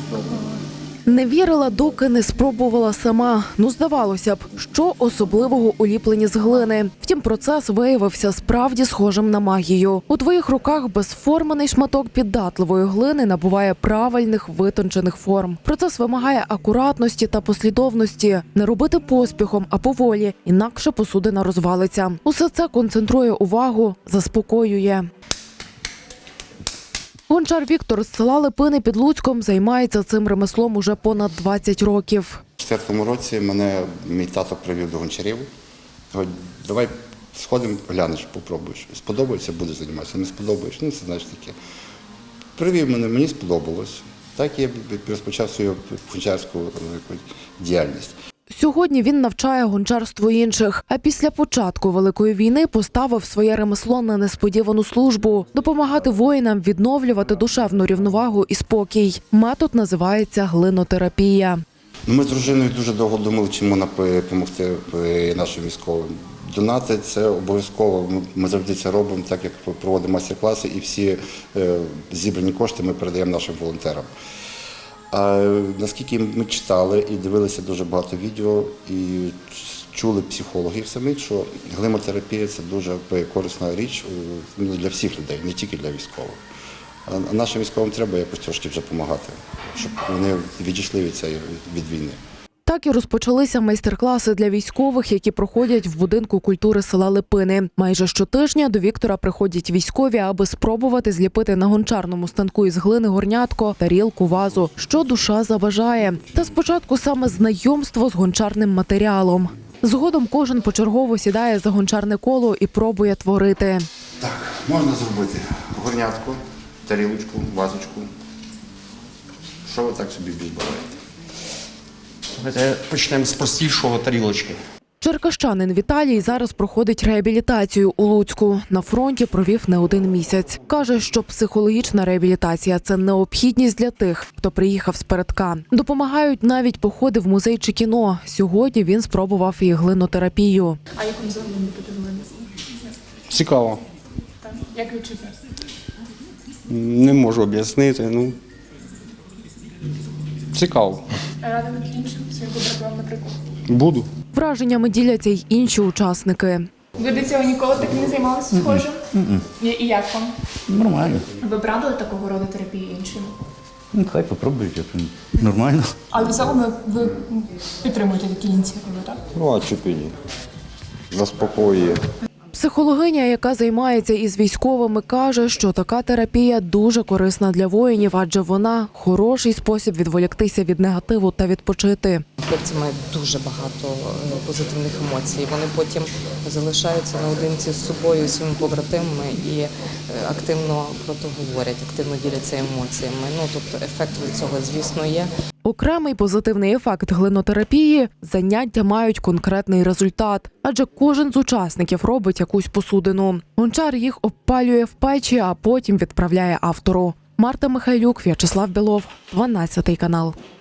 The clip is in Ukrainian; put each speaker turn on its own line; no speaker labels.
Не вірила, доки не спробувала сама. Здавалося б, що особливого у ліпленні з глини. Втім, процес виявився справді схожим на магію. У твоїх руках безформений шматок піддатливої глини набуває правильних витончених форм. Процес вимагає акуратності та послідовності. Не робити поспіхом, а поволі, інакше посудина розвалиться. Усе це концентрує увагу, заспокоює. Гончар Віктор з села Липини під Луцьком займається цим ремеслом уже понад 20 років.
У 2004 році мене мій тато привів до гончарів. Говорить, давай сходимо, глянеш, попробуєш. Сподобається, будеш займатися, не сподобаєш, це знаєш таке. Привів мене, мені сподобалось. Так я розпочав свою гончарську діяльність.
Сьогодні він навчає гончарству інших, а після початку Великої війни поставив своє ремесло на несподівану службу – допомагати воїнам відновлювати душевну рівновагу і спокій. Метод називається глинотерапія.
Ми з дружиною дуже довго думали, чим допомогти нашим військовим. Донати – це обов'язково, ми завжди це робимо, так як проводимо майстер-класи і всі зібрані кошти ми передаємо нашим волонтерам. А наскільки ми читали і дивилися дуже багато відео, і чули психологів самих, що глинотерапія – це дуже корисна річ для всіх людей, не тільки для військових. А нашим військовим треба якось трошки вже допомагати, щоб вони відійшли від війни.
Так і розпочалися майстер-класи для військових, які проходять в будинку культури села Липини. Майже щотижня до Віктора приходять військові, аби спробувати зліпити на гончарному станку із глини горнятко, тарілку, вазу, що душа забажає. Та спочатку саме знайомство з гончарним матеріалом. Згодом кожен почергово сідає за гончарне коло і пробує творити.
Так, можна зробити горнятку, тарілочку, вазочку. Що ви так собі більш бажаєте?
Давайте почнемо з простішого – тарілочки.
Черкащанин Віталій зараз проходить реабілітацію у Луцьку. На фронті провів не один місяць. Каже, що психологічна реабілітація – це необхідність для тих, хто приїхав з передка. Допомагають навіть походи в музей чи кіно. Сьогодні він спробував і глинотерапію.
А як вам взагалі подивилися?
Цікаво.
Так. Як відчуття?
Не можу об'яснити, цікаво.
Радимо іншим своїм побратимам, наприклад.
Буду.
Враженнями діляться й інші учасники.
Ви до цього ніколи так не займалися схожим? І як вам?
Нормально.
Ви б радили такого роду терапії іншим?
Хай попробують, нормально.
Але загалом ви підтримуєте такі ініціативи, так?
А чому ні? Заспокоює.
Психологиня, яка займається із військовими, каже, що така терапія дуже корисна для воїнів, адже вона – хороший спосіб відволіктися від негативу та відпочити.
Хлопці мають дуже багато позитивних емоцій. Вони потім залишаються наодинці з собою, своїми побратимами і активно про то говорять, активно діляться емоціями. Тобто ефект від цього, звісно, є.
Окремий позитивний ефект глинотерапії – заняття мають конкретний результат, адже кожен з учасників робить якусь посудину. Гончар їх обпалює в печі, а потім відправляє автору. Марта Михайлюк, В'ячеслав Білов, 12 канал.